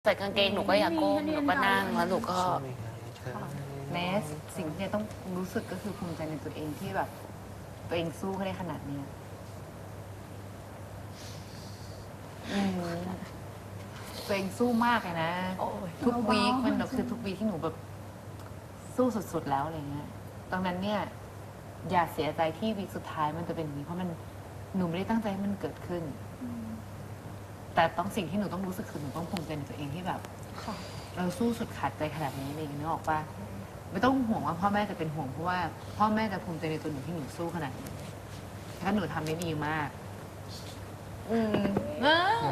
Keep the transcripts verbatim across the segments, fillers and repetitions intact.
ใส่กางเกงหนูก็อยากก้มหนูก็นั่งแล้วหนูก็แม้สิ่งที่ต้องรู้สึกก็คือภูมิใจในตัวเองที่แบบตัวเองสู้ได้ขนาดนี้อืมตัวเองสู้มากเลยนะทุกวีคมันคือทุกวีคที่หนูแบบสู้สุดๆแล้วอะไรเงี้ยตรงนั้นเนี่ยอย่าเสียใจที่วีคสุดท้ายมันจะเป็นอย่างนี้เพราะมันหนูไม่ได้ตั้งใจให้มันเกิดขึ้นแต่ต้องสิ่งที่หนูต้องรู้สึกคือหนูต้องภูมิใจในตัวเองที่แบบเราสู้สุดขาดใจขนาดนี้อะไรอย่างเงี้ยนึกออกปะไม่ต้องห่วงว่าพ่อแม่จะเป็นห่วงเพราะว่าพ่อแม่จะภูมิใจในตัวหนูที่หนูสู้ขนาดนี้ถ้าหนูทำได้ดีมากอืมเอ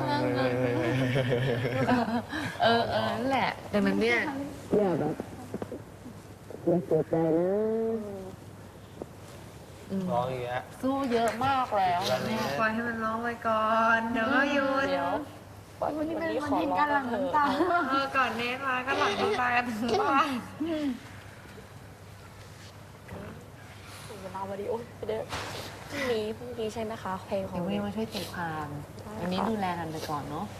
อเออนั่นแหละดังนั้นเนี่ยอย่าแบบอย่าเสียใจนะร้องอย่างเงี้ยสู้เยอะมากแล้วเนี่ยปล่อยให้มันร้องไปก่อนเดี๋ยวก็หยุดเดี๋ยววันนี้มันมันเห็นการหลั่งน้ำตาเออก่อนเนสมาก็หลั่งน้ำตากันถึงบ้านเวลาวันนี้โอ้ยไปเด้อพรุ่งนี้พรุ่งนี้ใช่ไหมคะเพลงของเดี๋ยววันนี้มาช่วยตีความวันนี้ดูแลกันไปก่อนเนาะ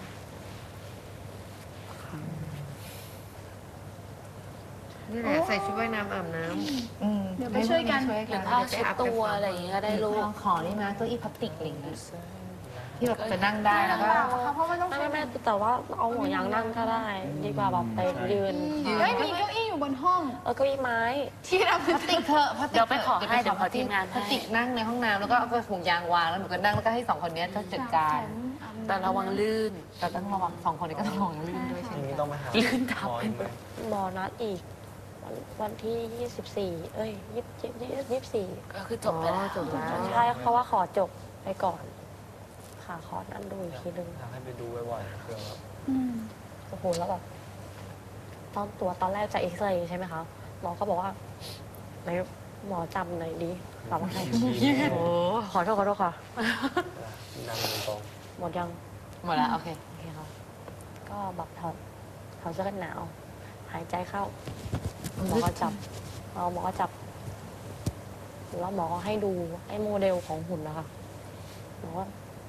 นี่แหละใส่ชุดว่ายน้ำอาบน้ำเดี๋ยวไปช่วยกันหรือผ้าเช็ดตัวอะไรอย่างเงี้ยก็ได้ลูกลองขอนี่มาเก้าอี้พลาสติกอะไรอย่างเงี้ยที่แบบจะนั่งได้แล้วก็เพราะว่าต้องไม่ไม่แต่ว่าเอาหัวยางนั่งก็ได้ ดีกว่าแบบไปยืนเฮ้ยมีเก้าอี้อยู่บนห้องเออเก้าอี้ไม้ที่เราพลาสติกเถอะพลาสติกเดี๋ยวไปขอให้เดี๋ยวขอทีมงานพลาสติกนั่งในห้องน้ำแล้วก็เอาไปถุงยางวางแล้วหนูก็นั่งแล้วก็ให้สองคนนี้จัดการแต่ระวังลื่นแต่ต้องระวังสองคนนี้ก็ต้องระวังลื่นด้วยใช่ไหมนี้ต้องไปหาลื่นทับหมออีกไหมหมอนัดอีก วันวันที่ยี่สิบสี่เอ้ยยี่สิบยี่สิบสี่ก็คือจบไปแล้วจบแล้วใช่เพราะว่าขอจบไปก่อนค่ะขอนั่นดูอีกทีนึงอยากให้ไปดูบ่อยๆเผื่อแบบโอ้โหแล้วแบบตอนตัวตอนแรกจะเอ็กซเรย์ใช่ไหมคะหมอก็บอกว่าไหนหมอจำหน่อยดีแบบว่าไงโอ้ขอโทษขอโทษค่ะนั่งตรงหมดยังหมดแล้วโอเคโอเคค่ะก็แบบถอดถอดเสื้อกันหนาว หายใจเข้าหมอก็จับเอาหมอก็จับแล้วหมอก็ให้ดูไอ้โมเดลของหุ่นนะคะหมอก็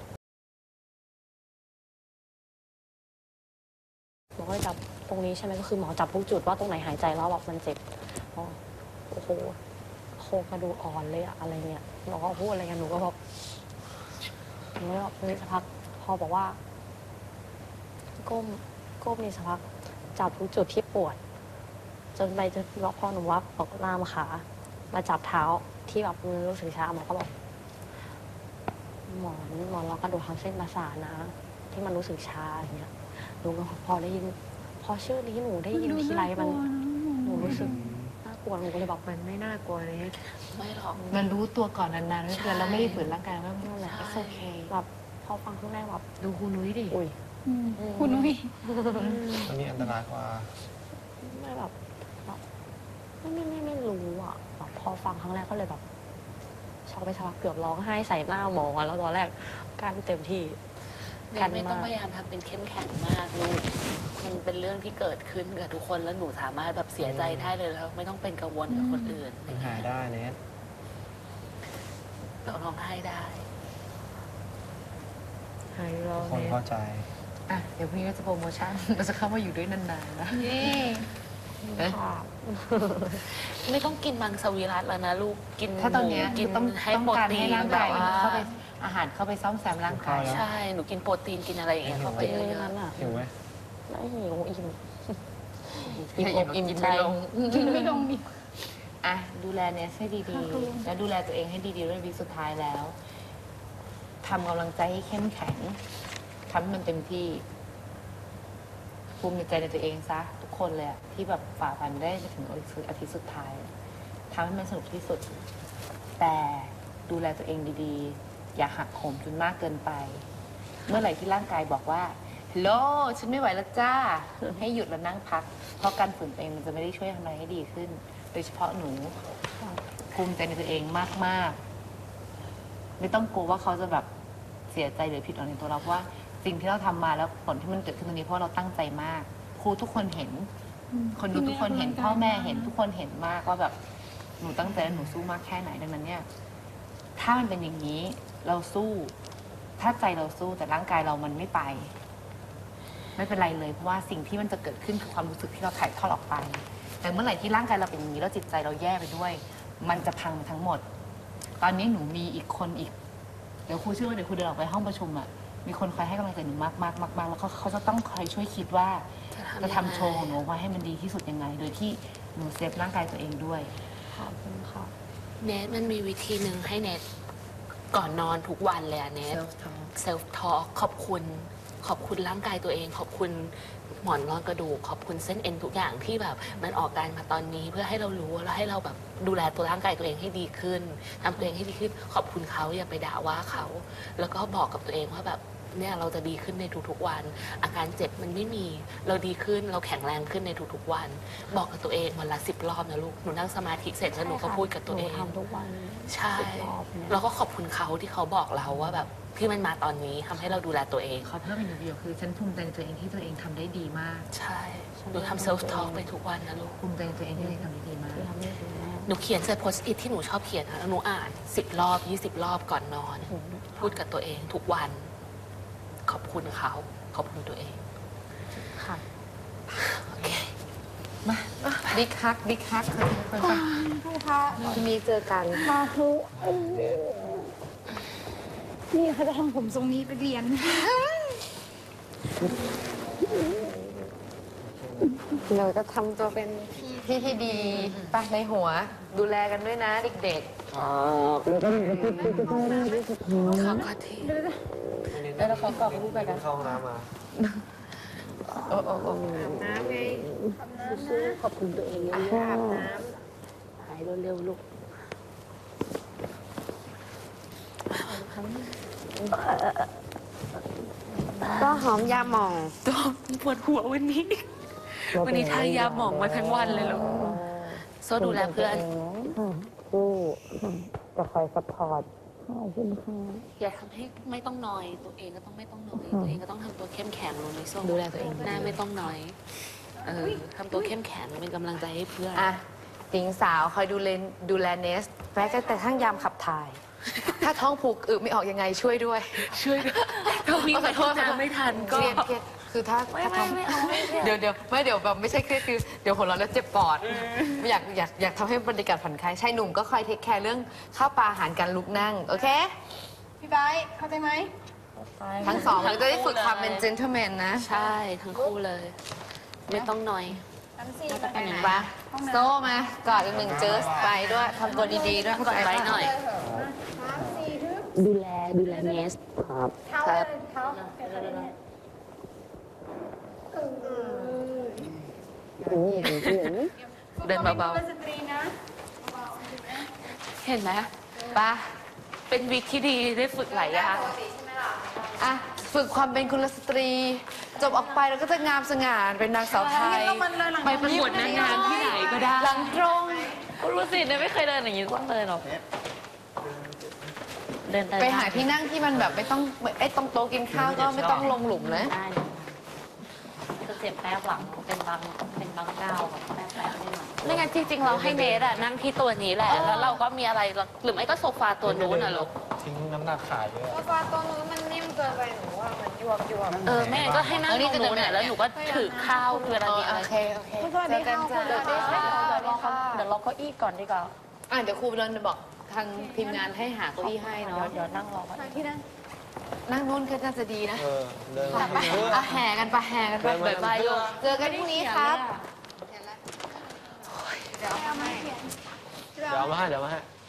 หมอก็จับตรงนี้ใช่ไหมก็คือหมอจับทุกจุดว่าตรงไหนหายใจแล้วแบบมันเจ็บอ๋อโอ้โหโครงกระดูกอ่อนเลยอะอะไรเงี้ยหมอก็พูดอะไรกันหนูก็แบบหนูก็แบบนี่สักพักพอบอกว่า ก้มก้มนี่สักพักจับทุกจุดที่ปวด จนไปจนพอหนูวับบอกลามขามาจับเท้าที่แบบมันรู้สึกชาหมอก็บอกหมอนหมอนล็อกกระดูกทับเส้นประสาทนะ ที่มันรู้สึกชาอย่างเงี้ยหนูก็พอได้ยิน พอชื่อนี้หนูได้ยินทีไรมันหนูรู้สึกน่ากลัวหนูก็เลยบอกมันไม่น่ากลัวเลยไม่หรอกมันรู้ตัวก่อนนานๆไม่เป็นไรเราไม่ได้ฝืนร่างกายว่านั่นแหละโอเคแบบพอฟังครั้งแรกแบบดูครูนุ้ยดิอุ้ยคุณนุ้ยอันนี้อันตรายกว่าไม่แบบแบบไม่ไม่ไม่ไม่รู้อ่ะแบบพอฟังครั้งแรกก็เลยแบบช็อกไปสักพักเกือบร้องไห้ใส่หน้าหมอแล้วตอนแรกการเต็มที่กันไม่ต้องมากพยายามทำเป็นเข้มแข็งมากลูกมันเป็นเรื่องที่เกิดขึ้นกับทุกคนแล้วหนูสามารถแบบเสียใจได้เลยแล้วไม่ต้องเป็นกังวลกับคนอื่นมันหายได้เนสเราร้องไห้ได้หายร้องคนเนี่ยเข้าใจอ่ะเดี๋ยวพรุ่งนี้เราจะโปรโมชั่นเราจะเข้ามาอยู่ด้วยนานๆนะเย่เอ๊ะค่ะไม่ต้องกินมังสวิรัตแล้วนะลูกกินถ้าตอนเนี้ยหมูกินต้องให้ต้องโปรการตีให้นร่างแบกายบมันว่าเข้าไปอาหารเข้าไปซ่อมแซมร่างกายใช่หนูกินโปรตีนกินอะไรอย่างเงี้ยเข้าไปเป็นเยเรื่องนั้นอะอ่ะหิวไหมไม่หิวอิ่มอิ่มอกอิ่มใจกินไม่ลงดิอ่ะดูแลเนี่ยให้ดีๆ แล้วดูแลตัวเองให้ดีๆด้วยวีคสุดท้ายแล้วทำกำลังใจให้เข้มแข็งทำให้มันเต็มที่ ภูมิใจในตัวเองซะทุกคนเลยอะที่แบบฝ่าฟันได้ไปถึงอาทิตย์สุดท้ายทำให้มันสนุกที่สุด แต่ดูแลตัวเองดีๆ อย่าหักโหมจนมากเกินไป เมื่อไหร่ที่ร่างกายบอกว่าฮัลโหลฉันไม่ไหวแล้วจ้า ให้หยุดแล้วนั่งพัก เพราะการฝืนตัวเองมันจะไม่ได้ช่วยทำอะไรให้ดีขึ้น โดยเฉพาะหนูภูมิใจในตัวเองมากๆ ไม่ต้องกลัวว่าเขาจะแบบเสียใจหรือผิดหวังในตัวเราเพราะว่าสิ่งที่เราทำมาแล้วผลที่มันเกิดขึ้นตรงนี้เพราะเราตั้งใจมาก ครูทุกคนเห็น คนดูทุกคนเห็นพ่อแม่เห็นทุกคนเห็นมากว่าแบบหนูตั้งใจและหนูสู้มากแค่ไหนดังนั้นเนี่ย ถ้ามันเป็นอย่างนี้เราสู้ ถ้าใจเราสู้แต่ร่างกายเรามันไม่ไปไม่เป็นไรเลยเพราะว่าสิ่งที่มันจะเกิดขึ้นคือความรู้สึกที่เราถ่ายทอดออกไป แต่เมื่อไหร่ที่ร่างกายเราเป็นอย่างนี้แล้วจิตใจเราแย่ไปด้วย มันจะพังทั้งหมด ตอนนี้หนูมีอีกคนอีกเดี๋ยวครูเชื่อว่าเดี๋ยวครูเดินออกไปห้องประชุมอ่ะมีคนคอยให้กำลังใจหนูมากมากมากมากแล้วเขาเขาจะต้องคอยช่วยคิดว่าจะทำโชว์ของหนูออกมาให้มันดีที่สุดยังไง โดยที่หนูเซฟร่างกายตัวเองด้วยขอบคุณค่ะเนทมันมีวิธีหนึ่งให้เนทก่อนนอนทุกวันเลยอะเนท self talk เซลฟ์ทอล์กขอบคุณ ขอบคุณร่างกายตัวเอง ขอบคุณหมอนรองกระดูก ขอบคุณเส้นเอ็นทุกอย่างที่แบบมันออกการมาตอนนี้เพื่อให้เรารู้แล้วให้เราแบบดูแลตัวร่างกายตัวเองให้ดีขึ้นทำตัวเองให้ดีขึ้น ขอบคุณเขาอย่าไปด่าว่าเขา แล้วก็บอกกับตัวเองว่าแบบเนี่ยเราจะดีขึ้นในทุกๆวัน อาการเจ็บมันไม่มีเราดีขึ้นเราแข็งแรงขึ้นในทุกๆวัน บอกกับตัวเองวันละสิบรอบนะลูกหนูนั่งสมาธิเสร็จแล้วหนูก็พูดกับตัวเองหนูทำทุกวันใช่สิบรอบเนี่ยแล้วก็ขอบคุณเขาที่เขาบอกเราว่าแบบที่มันมาตอนนี้ทำให้เราดูแลตัวเองขอเพิ่มอีกหนึ่งประโยคคือฉันภูมิใจในตัวเองที่ตัวเองทำได้ดีมากใช่หนูทำเซลฟ์ทอล์กไปทุกวันนะลูกภูมิใจในตัวเองที่ตัวเองทำได้ดีมากที่ทำให้ถึงแม่หนูเขียนใส่โพสต์อิทที่หนูชอบเขียนนะแล้วหนูอ่านสิบรอบยี่สิบรอบก่อนนอน พูดกับตัวเองทุกวัน ขอบคุณเขาขอบคุณตัวเองค่ะโอเคมาบิ๊กฮักบิ๊กฮักค่ะทุกคนผู้พระทีนี้เจอกันมาทุนี่เขาจะทำผมทรงนี้ไปเรียนเราก็ทำตัวเป็นพี่ที่ดีปะในหัว ดูแลกันด้วยนะเด็กขอขอทีๆแล้วเขากรอบรูปไปกันเข้าห้องน้ำมาโอ้โอ้โอ้น้ำไงสู้ๆขอบคุณตัวเองเยอะๆอาบน้ำหายเร็วๆลูกก็หอมยาหม่องตัวปวดหัววันนี้ วันนี้ทายาหมองมาทั้งวันเลยลูกโซ่ดูแลเพื่อนสู้จะคอยซัพพอร์ตขอบคุณค่ะอย่าทำให้ไม่ต้องนอย ตัวเองก็ต้องไม่ต้องนอย ตัวเองก็ต้องทำตัวเข้มแข็งลงในโซ่ดูแลตัวเองหน้าไม่ต้องนอย เออทำตัวเข้มแข็งเป็นกำลังใจให้เพื่อนอ่ะหญิงสาวคอยดูแลดูแลเนสแม้แต่ทั้งยามขับถ่าย ถ้าท้องผูกอึไม่ออกยังไงช่วยด้วยช่วยด้วยถ้าวิ่งไปห้องน้ำไม่ทันเคก็รียดเครียดคือถ้าไม่ถ้าไม่ท้องไม่เอาไม่เครียดเดี๋ยวเดี๋ยวไม่เดี๋ยวแบบไม่ใช่เครียดคือเดี๋ยวหัวเราะแล้วเจ็บปอดไม่อยากอยากอยากทำให้บรรยากาศผ่อนคลายชายหนุ่มก็คอยเทคแคร์เรื่องข้าวปลาอาหารการลุกนั่ง โอเคพี่ไบร์ทเข้าใจไหมทั้งสองเลยจะได้ฝึกความเป็น gentleman นะใช่ทั้งคู่เลย ไม่ต้องนอยน้ำซีจะเป็นอย่างปะโซ่มากอดอีกหนึ่งเจอไปด้วยทำตัวดีๆด้วยเข้าใจไว้ปะหน่อยน้ำซีทึบดูแลดูแลเนสครับเท้าครับเท้าเท้าเนี่ยเออเดินเบาเป็นสตรีนะๆ เห็นไหมปะเป็นวิกที่ดีได้ฝึกหลายอย่างอ่ะฝึกความเป็นกุลสตรี จบออกไปแล้วก็จะงามสง่าเป็นนางสาวไทยไปประกวดนางงามที่ไหนก็ได้หลังตรงรู้สิเนี่ยไม่เคยเดินอย่างนี้ต้องเดินหรอกเดินไปหาที่นั่งที่มันแบบไม่ต้องไอ้ตรงโต๊ะกินข้าวก็ไม่ต้องลงหลุมนะได้จะเจ็บแป๊บหลังเป็นบางเป็นบางก้าวแบบแป๊บแป๊บนิดหน่อยไม่งั้นจริงๆเราให้เนทอะนั่งที่ตัวนี้แหละ แล้วเราก็มีอะไรหรือไม่ก็โซฟาตัวนู้นอะลูกทิ้งน้ำหนักขายเยอะโซฟาตัวนู้นมันนิ่มเกินไปหนูว่ามันยวบยวบเออแม่ก็ให้นั่งตรงนู้นอะแล้วหนูก็ถือข้าวเวลามีอะไรโอเคโอเคสวัสดีค่ะคุณเดี๋ยวสวัสดีค่ะเดี๋ยวรอเขาเดี๋ยวรอเก้าอี้ก่อนดีกว่าอ่ะเดี๋ยวครูเดินบอกทางทีมงานให้หาเก้าอี้ให้เนาะเดี๋ยวนั่งรอก่อนมาที่นั่นนั่งนู่นก็น่าจะดีนะเออ เดินมาเพื่ออ่ะแห่กันไปแห่กันไปเดินมาบายบายลูกเจอกันพรุ่งนี้ครับเดี๋ยวเอามาให้เดี๋ยวเอามาให้ เดี๋ยวเอามาให้